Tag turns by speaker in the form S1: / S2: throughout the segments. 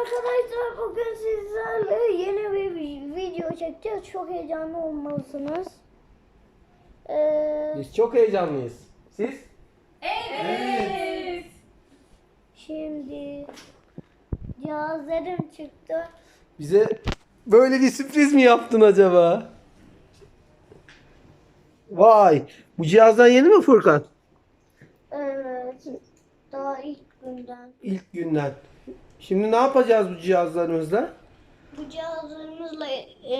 S1: arkadaşlar, bugün sizlerle yeni bir video çekeceğiz. Çok heyecanlı olmalısınız.
S2: Biz çok heyecanlıyız. Siz?
S3: Evet.
S1: Şimdi cihazlarım çıktı.
S2: Bize böyle bir sürpriz mi yaptın acaba? Vay! Bu cihazdan yeni mi Furkan?
S1: Evet, daha ilk günden.
S2: İlk günden. Şimdi ne yapacağız bu cihazlarımızla?
S1: Bu cihazlarımızla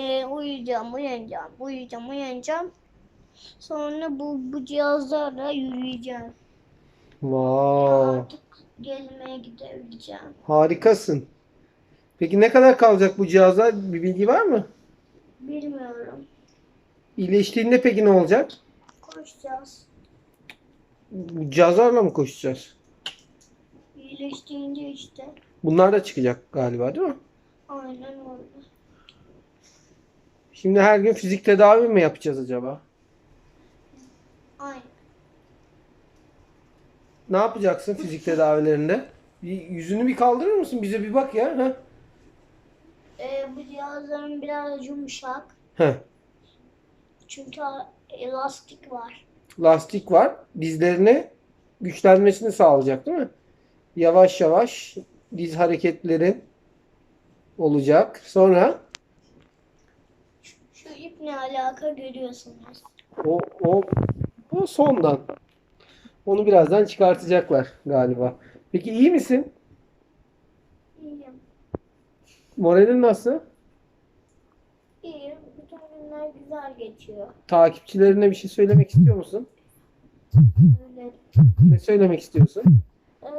S1: uyanacağım. Sonra bu cihazlarla yürüyeceğim.
S2: Wow!
S1: Artık gezmeye gidebileceğim.
S2: Harikasın. Peki ne kadar kalacak bu cihazlar? Bir bilgi var mı?
S1: Bilmiyorum.
S2: İyileştiğinde peki ne olacak?
S1: Koşacağız.
S2: Bu cihazlarla mı koşacağız?
S1: İyileştiğince işte.
S2: Bunlar da çıkacak galiba, değil mi?
S1: Aynen öyle.
S2: Şimdi her gün fizik tedavi mi yapacağız acaba?
S1: Aynen.
S2: Ne yapacaksın fizik tedavilerinde? Yüzünü bir kaldırır mısın? Bize bir bak ya. Heh.
S1: Bu cihazların biraz yumuşak.
S2: Heh.
S1: Çünkü elastik var.
S2: Lastik var. Dizlerine güçlenmesini sağlayacak, değil mi? Yavaş yavaş diz hareketlerin olacak. Sonra
S1: Şu iple alaka görüyorsunuz.
S2: o o sondan. Onu birazdan çıkartacaklar galiba. Peki iyi misin?
S1: İyiyim.
S2: Moralin nasıl?
S1: İyiyim. Bütün günler güzel geçiyor.
S2: Takipçilerine bir şey söylemek istiyor musun?
S1: Öyle.
S2: Ne söylemek istiyorsun?
S1: Ee,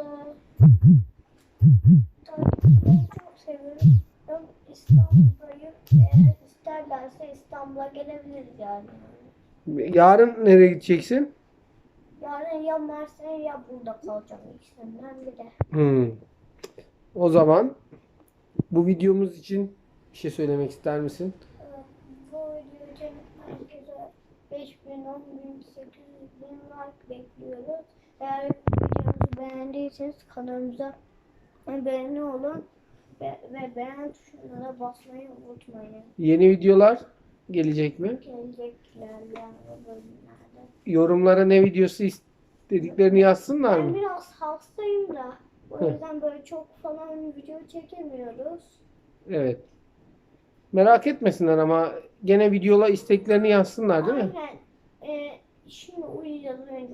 S1: takipçileri çok seviyorum. Ben İstanbul'dayım. Eğer isterlerse İstanbul'a gelebiliriz yani.
S2: Yarın nereye gideceksin?
S1: Yarın ya Mersin'e ya burada kalacağım, ikisinden biri.
S2: O zaman bu videomuz için bir şey söylemek ister misin?
S1: Bu video için herkese 5.000, 10.000, 800.000 like bekliyoruz. Eğer videomuzu beğendiyseniz kanalımıza abone olun ve beğen tuşuna da basmayı unutmayın.
S2: Yeni videolar gelecek mi?
S1: Gelecek ilerleyen bölümlerde.
S2: Yorumlara ne videosu istediklerini yazsınlar
S1: Ben
S2: mı?
S1: biraz hastayım da o yüzden böyle çok falan video çekemiyoruz.
S2: Evet. Merak etmesinler ama gene videola isteklerini yazsınlar, değil mi?
S1: Aynen. Şimdi uyuyacağız önce.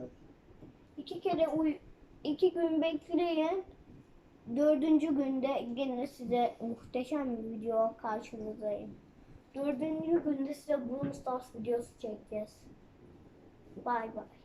S1: 2 gün bekleyin. 4. günde gene size muhteşem bir video karşınızdayım. 4. günde size Brawl Stars videosu çekeceğiz. Bay bay.